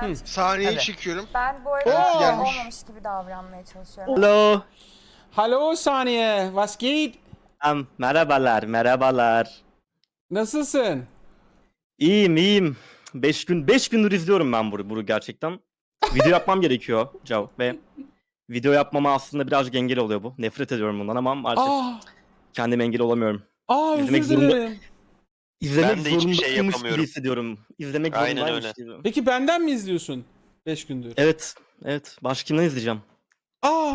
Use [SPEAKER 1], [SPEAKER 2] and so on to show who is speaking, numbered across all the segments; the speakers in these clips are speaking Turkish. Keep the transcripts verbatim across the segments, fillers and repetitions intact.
[SPEAKER 1] Ben,
[SPEAKER 2] Sahneyi
[SPEAKER 3] Hadi.
[SPEAKER 2] çekiyorum.
[SPEAKER 1] ben bu
[SPEAKER 2] Birisi
[SPEAKER 1] arada
[SPEAKER 2] gelmiş.
[SPEAKER 1] olmamış gibi davranmaya çalışıyorum.
[SPEAKER 4] Hallo.
[SPEAKER 5] Hallo Saniye, was geht?
[SPEAKER 4] Um, merhabalar, merhabalar.
[SPEAKER 5] Nasılsın?
[SPEAKER 4] İyiyim, iyiyim. Beş gün, beş gündür izliyorum ben bunu, bunu gerçekten. Video yapmam gerekiyor Cav ve video yapmama aslında birazcık engel oluyor bu. Nefret ediyorum bundan ama maalesef
[SPEAKER 5] Aa,
[SPEAKER 4] kendime engel olamıyorum.
[SPEAKER 5] aa
[SPEAKER 4] İzlemek
[SPEAKER 5] özür
[SPEAKER 4] zorunda-
[SPEAKER 5] dilerim.
[SPEAKER 4] İzlemek
[SPEAKER 3] Ben de hiçbir şey
[SPEAKER 4] zorundaymış
[SPEAKER 3] yapamıyorum.
[SPEAKER 4] gibi hissediyorum. İzlemek
[SPEAKER 3] Aynen
[SPEAKER 4] zorundaymış
[SPEAKER 3] öyle.
[SPEAKER 4] gibi.
[SPEAKER 5] Peki benden mi izliyorsun? beş gündür.
[SPEAKER 4] Evet, evet. Başka kimden izleyeceğim?
[SPEAKER 5] Aa.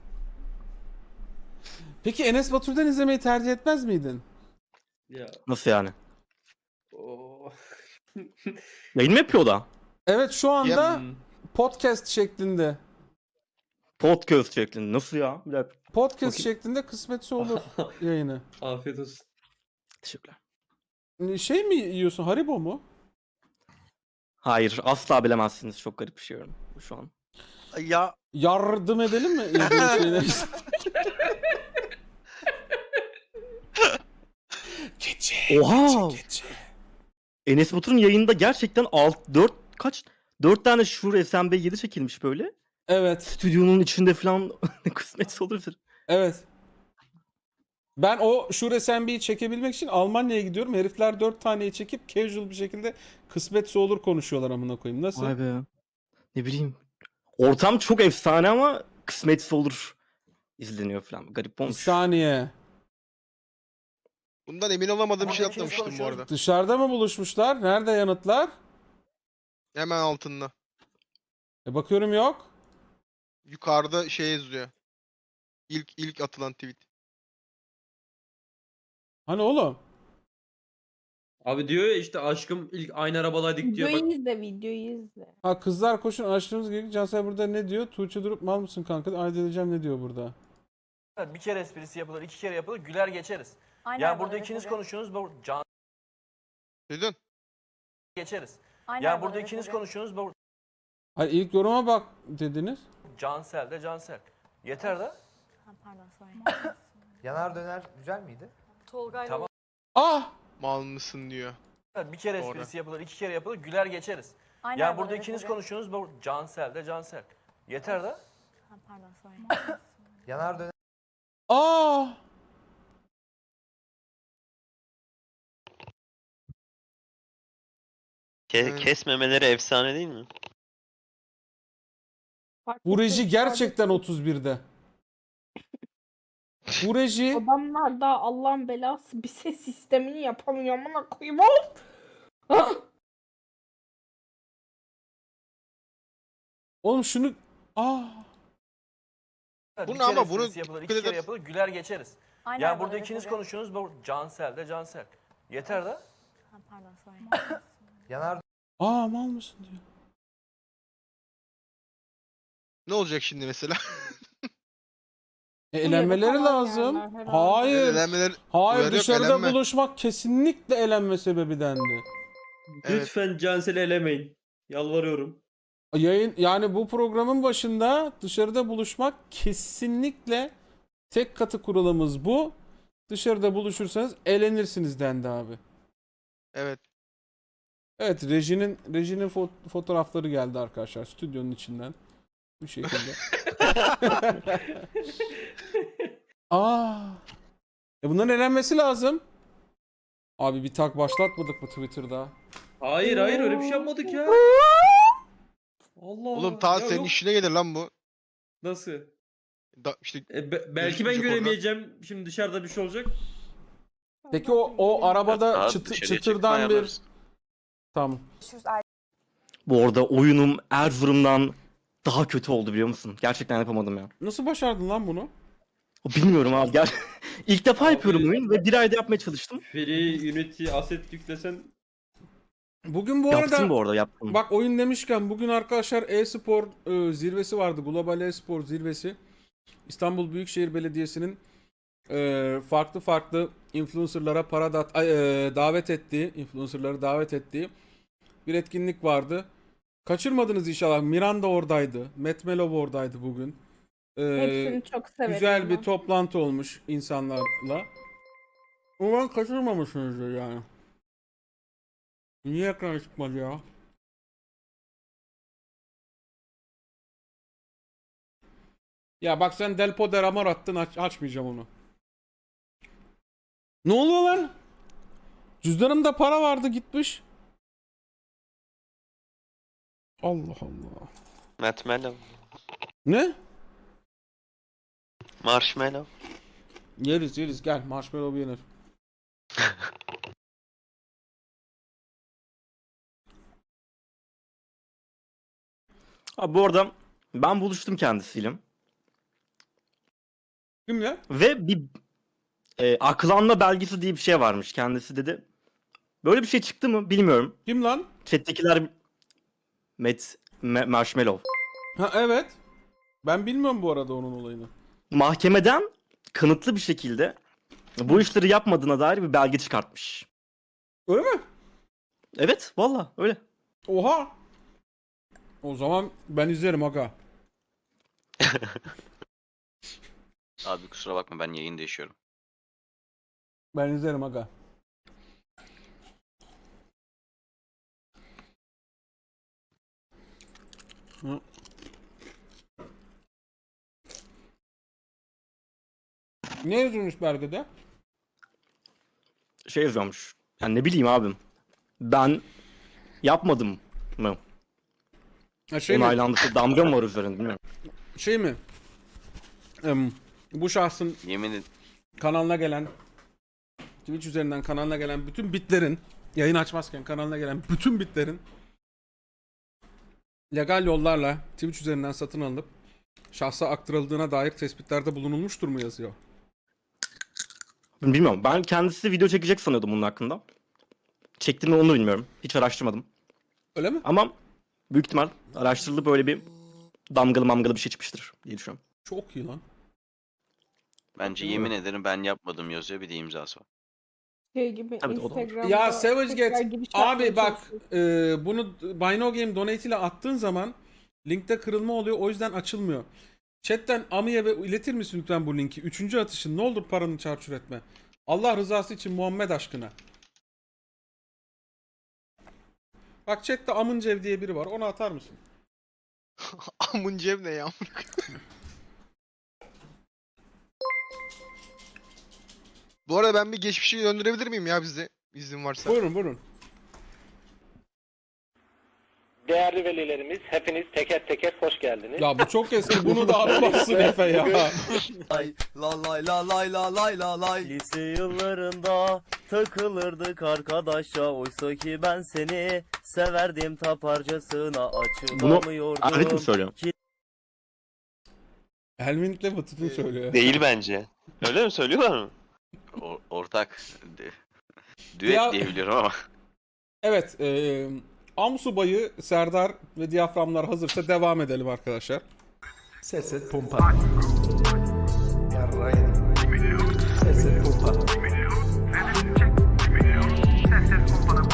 [SPEAKER 5] Peki Enes Batur'dan izlemeyi tercih etmez miydin?
[SPEAKER 6] Ya
[SPEAKER 4] Nasıl yani?
[SPEAKER 6] o
[SPEAKER 4] Yayın mı yapıyor o da?
[SPEAKER 5] Evet, şu anda
[SPEAKER 6] Hmm.
[SPEAKER 5] podcast şeklinde.
[SPEAKER 4] Podcast şeklinde. Nasıl ya? Bir dakika.
[SPEAKER 5] Podcast
[SPEAKER 4] Bakayım.
[SPEAKER 5] şeklinde kısmetse olur yayını.
[SPEAKER 6] Afiyet olsun.
[SPEAKER 4] Teşekkürler.
[SPEAKER 5] Şey mi yiyorsun? Haribo mu?
[SPEAKER 4] Hayır, asla bilemezsiniz. Çok garip bir şey yiyorum şu an.
[SPEAKER 2] Ya
[SPEAKER 5] Yardım edelim mi? Yediğin şeyleri? Gece,
[SPEAKER 4] Oha!
[SPEAKER 5] gece, gece.
[SPEAKER 4] Enes Batur'un yayında gerçekten alt dört kaç dört tane Shure S M B yedi çekilmiş böyle.
[SPEAKER 5] Evet,
[SPEAKER 4] Stüdyonun içinde falan kısmetse olur.
[SPEAKER 5] evet. Ben o Shure S M B'yi çekebilmek için Almanya'ya gidiyorum. Herifler dört taneyi çekip casual bir şekilde kısmetse olur konuşuyorlar amına koyayım. Nasıl?
[SPEAKER 4] Vay be. Ne bileyim. Ortam çok efsane ama kısmetse olur izleniyor falan. Garip
[SPEAKER 5] Bir
[SPEAKER 4] olmuş.
[SPEAKER 5] saniye.
[SPEAKER 2] bundan emin olamadığım bir şey
[SPEAKER 3] Ama hepimiz
[SPEAKER 2] atlamıştım bu
[SPEAKER 3] konuşuyoruz.
[SPEAKER 2] arada.
[SPEAKER 5] Dışarıda mı buluşmuşlar? Nerede yanıtlar?
[SPEAKER 2] Hemen altında.
[SPEAKER 5] E bakıyorum yok.
[SPEAKER 2] Yukarıda şey yazıyor. İlk ilk atılan tweet.
[SPEAKER 5] Hani oğlum?
[SPEAKER 6] Abi diyor ya işte aşkım ilk aynı arabadaydık diyor. Bak,
[SPEAKER 7] Videoyu izle, videoyu izle.
[SPEAKER 5] Ha, kızlar koşun açtığımız gibi. Cansel burada ne diyor? Tuğçe durup mal mısın kanka? Ayda edeceğim ne diyor burada?
[SPEAKER 3] Bir kere esprisi yapılır, iki kere yapılır, güler geçeriz.
[SPEAKER 1] Aynı
[SPEAKER 3] Yani
[SPEAKER 1] arabada
[SPEAKER 3] burada ikiniz
[SPEAKER 1] tabii.
[SPEAKER 3] konuşuyorsunuz, bu can
[SPEAKER 2] Duydun?
[SPEAKER 3] geçeriz.
[SPEAKER 1] Aynı
[SPEAKER 3] Yani
[SPEAKER 1] arabada
[SPEAKER 3] burada ikiniz
[SPEAKER 1] tabii.
[SPEAKER 3] konuşuyorsunuz, bu
[SPEAKER 5] Hayır, ilk yoruma bak dediniz.
[SPEAKER 3] Cansel de Cansel. Yeter de.
[SPEAKER 1] Ha, pardon, sorry.
[SPEAKER 8] Yanar döner güzel miydi?
[SPEAKER 1] Tolga'yla
[SPEAKER 3] Tamam.
[SPEAKER 5] Ah!
[SPEAKER 2] Mal mısın diyor.
[SPEAKER 3] Bir kere
[SPEAKER 2] Doğru.
[SPEAKER 3] esprisi yapılır, iki kere yapılır, güler geçeriz.
[SPEAKER 1] Aynı
[SPEAKER 3] Yani
[SPEAKER 1] arabada
[SPEAKER 3] burada ikiniz
[SPEAKER 1] tabii.
[SPEAKER 3] konuşuyorsunuz, bu Cansel de Cansel. Yeter de.
[SPEAKER 1] Ha, pardon, sorry.
[SPEAKER 8] Yanar döner
[SPEAKER 5] Ah!
[SPEAKER 2] Evet.
[SPEAKER 3] Kesmemeleri efsane değil mi?
[SPEAKER 7] Bak,
[SPEAKER 5] Bu reji
[SPEAKER 7] bakın,
[SPEAKER 5] gerçekten otuz birde. Bu reji
[SPEAKER 7] adamlar da Allah'ın belası bir ses sistemini yapamıyor amına koyayım oğlum. Ah!
[SPEAKER 5] oğlum şunu ah
[SPEAKER 3] Bir
[SPEAKER 2] Bunu
[SPEAKER 3] kere
[SPEAKER 2] ama bunu
[SPEAKER 3] esprisi yapılır, iki
[SPEAKER 2] dikkat
[SPEAKER 3] kere
[SPEAKER 2] eder-
[SPEAKER 3] yapılır, güler geçeriz.
[SPEAKER 1] Aynı
[SPEAKER 3] Yani
[SPEAKER 1] arabada
[SPEAKER 3] burada ikiniz
[SPEAKER 1] tabii.
[SPEAKER 3] konuşuyorsunuz, bu Cansel de Cansel. Yeter de.
[SPEAKER 1] Ha, pardon, sorry.
[SPEAKER 8] yanar
[SPEAKER 5] aa mal mısın diyor.
[SPEAKER 2] Ne olacak şimdi mesela?
[SPEAKER 5] E, elenmeleri
[SPEAKER 7] falan
[SPEAKER 5] lazım.
[SPEAKER 7] yerler herhalde.
[SPEAKER 5] Hayır.
[SPEAKER 2] Elenmeler
[SPEAKER 5] Hayır,
[SPEAKER 2] Uyarı yok,
[SPEAKER 5] dışarıda
[SPEAKER 2] elenme.
[SPEAKER 5] buluşmak kesinlikle elenme sebebi dendi.
[SPEAKER 2] Evet.
[SPEAKER 6] Lütfen Cansel'i elemeyin. Yalvarıyorum.
[SPEAKER 5] Yayın yani bu programın başında dışarıda buluşmak kesinlikle tek katı kuralımız bu. Dışarıda buluşursanız elenirsiniz dendi abi.
[SPEAKER 2] Evet.
[SPEAKER 5] Evet, rejinin rejinin fo- fotoğrafları geldi arkadaşlar stüdyonun içinden. Bu şekilde. Aa. E bunların elenmesi lazım. Abi bir tak başlatmadık mı Twitter'da?
[SPEAKER 6] Hayır hayır öyle bir şey yapmadık ya. Allah
[SPEAKER 2] Oğlum ta
[SPEAKER 6] ya
[SPEAKER 2] senin
[SPEAKER 6] yok.
[SPEAKER 2] işine gelir lan bu.
[SPEAKER 6] Nasıl?
[SPEAKER 2] Da, işte
[SPEAKER 6] E, be- belki ben
[SPEAKER 2] Görüşmeyecek oradan.
[SPEAKER 6] göremeyeceğim. Şimdi dışarıda bir şey olacak.
[SPEAKER 5] Peki o o arabada çıtı- çıtırdan bir tamam.
[SPEAKER 1] Görüşürüz.
[SPEAKER 4] Bu arada oyunum Erzurum'dan daha kötü oldu biliyor musun? Gerçekten yapamadım ya.
[SPEAKER 5] Nasıl başardın lan bunu?
[SPEAKER 4] Bilmiyorum abi. Gel. İlk defa
[SPEAKER 6] Abi-
[SPEAKER 4] yapıyorum oyun ve bir ayda yapmaya çalıştım.
[SPEAKER 6] Free Unity Asset yüklesen
[SPEAKER 5] Bugün bu
[SPEAKER 4] Yaptım
[SPEAKER 5] arada
[SPEAKER 4] bu arada yaptım.
[SPEAKER 5] bak oyun demişken bugün arkadaşlar e-spor e, zirvesi vardı. Global e-spor zirvesi. İstanbul Büyükşehir Belediyesi'nin e, farklı farklı influencerlara para da, ay, e, davet ettiği, influencerları davet ettiği bir etkinlik vardı. Kaçırmadınız inşallah. Miranda oradaydı. Matt Melov oradaydı bugün. E,
[SPEAKER 7] Hepsini çok severim.
[SPEAKER 5] güzel bir
[SPEAKER 7] ben.
[SPEAKER 5] toplantı olmuş insanlarla. Umarım kaçırmamışsınızdır yani. Niye ekran çıkmadı ya? Ya bak sen Del Poder Amor attın, aç, açmayacağım onu. Ne oluyor lan? Cüzdanımda para vardı gitmiş. Allah Allah.
[SPEAKER 9] Marshmallow.
[SPEAKER 5] Ne?
[SPEAKER 9] Marshmallow.
[SPEAKER 5] Yeriz yeriz gel, marshmallow yenir.
[SPEAKER 4] Abi bu arada ben buluştum kendisiyle.
[SPEAKER 5] Kimle?
[SPEAKER 4] Ve bir e, aklanma belgesi diye bir şey varmış kendisi dedi. Böyle bir şey çıktı mı bilmiyorum.
[SPEAKER 5] Kim lan?
[SPEAKER 4] Chat'tekiler Met Me- Marshmallow.
[SPEAKER 5] Ha evet. Ben bilmiyorum bu arada onun olayını.
[SPEAKER 4] Mahkemeden kanıtlı bir şekilde bu işleri yapmadığına dair bir belge çıkartmış.
[SPEAKER 5] Öyle mi?
[SPEAKER 4] Evet, valla öyle.
[SPEAKER 5] Oha. O zaman ben izlerim aga.
[SPEAKER 9] Abi kusura bakma ben yayın değişiyorum.
[SPEAKER 5] Ben izlerim aga. Hı. Ne yazılmış belgede?
[SPEAKER 4] Şey yazıyormuş. Yani ne bileyim abim. Ben yapmadım mı?
[SPEAKER 5] Ha, şey mi?
[SPEAKER 4] Onaylandı. Damga mı var üzerinde bilmiyorum.
[SPEAKER 5] Şey mi? Em, bu şahsın
[SPEAKER 9] Yemin ed-
[SPEAKER 5] kanalına gelen, Twitch üzerinden kanalına gelen bütün bitlerin, yayın açmazken kanalına gelen bütün bitlerin legal yollarla Twitch üzerinden satın alınıp şahsa aktarıldığına dair tespitlerde bulunulmuştur mu yazıyor?
[SPEAKER 4] Bilmiyorum. Ben kendisi video çekecek sanıyordum bunun hakkında. Çekti mi onu bilmiyorum. Hiç araştırmadım.
[SPEAKER 5] Öyle mi?
[SPEAKER 4] Ama büyük ihtimal araştırılıp böyle bir damgalı mamgalı bir şey çıkmıştır diye düşünüyorum.
[SPEAKER 5] Çok iyi lan.
[SPEAKER 9] Bence yemin ederim ben yapmadım yazıyor, bir de imzası var.
[SPEAKER 7] Şey gibi
[SPEAKER 4] Tabii, o da olur.
[SPEAKER 7] Instagram'da
[SPEAKER 5] Ya Savage
[SPEAKER 7] tekrar
[SPEAKER 5] Get,
[SPEAKER 7] giriş yapmaya
[SPEAKER 5] abi bak
[SPEAKER 7] çalışıyorsun.
[SPEAKER 5] e, bunu Buy No Game donate ile attığın zaman linkte kırılma oluyor, o yüzden açılmıyor. Chatten Ami'ye ve iletir misin lütfen bu linki? Üçüncü atışın, ne olur paranı çarçur etme. Allah rızası için Muhammed aşkına. Bak chatte Amıncev diye biri var, onu atar mısın?
[SPEAKER 2] Amın ceb ne ya? Bu arada ben bir geçmişi döndürebilir miyim ya bize? İzin varsa.
[SPEAKER 5] Buyurun buyurun.
[SPEAKER 10] Değerli velilerimiz, hepiniz teker teker hoş geldiniz.
[SPEAKER 5] Ya bu çok eski, bunu da atmazsın Efe ya.
[SPEAKER 8] Lay la lay la lay la lay la lay.
[SPEAKER 11] Lise yıllarında takılırdık arkadaşa, oysa ki ben seni severdim taparcasına,
[SPEAKER 4] Bunu
[SPEAKER 11] açılamıyordum.
[SPEAKER 4] Erdik mi söylüyor?
[SPEAKER 5] Helmint'le Batıt'ın söylüyor.
[SPEAKER 9] Değil bence. Öyle mi söylüyorlar mı? O- ortak. De- Düet
[SPEAKER 5] Ya-
[SPEAKER 9] diye biliyorum ama.
[SPEAKER 5] Evet, e, Amsubay'ı, Serdar ve diyaframlar hazırsa devam edelim arkadaşlar.
[SPEAKER 8] Ses et pompa. Yarrayın. Ses et pompa.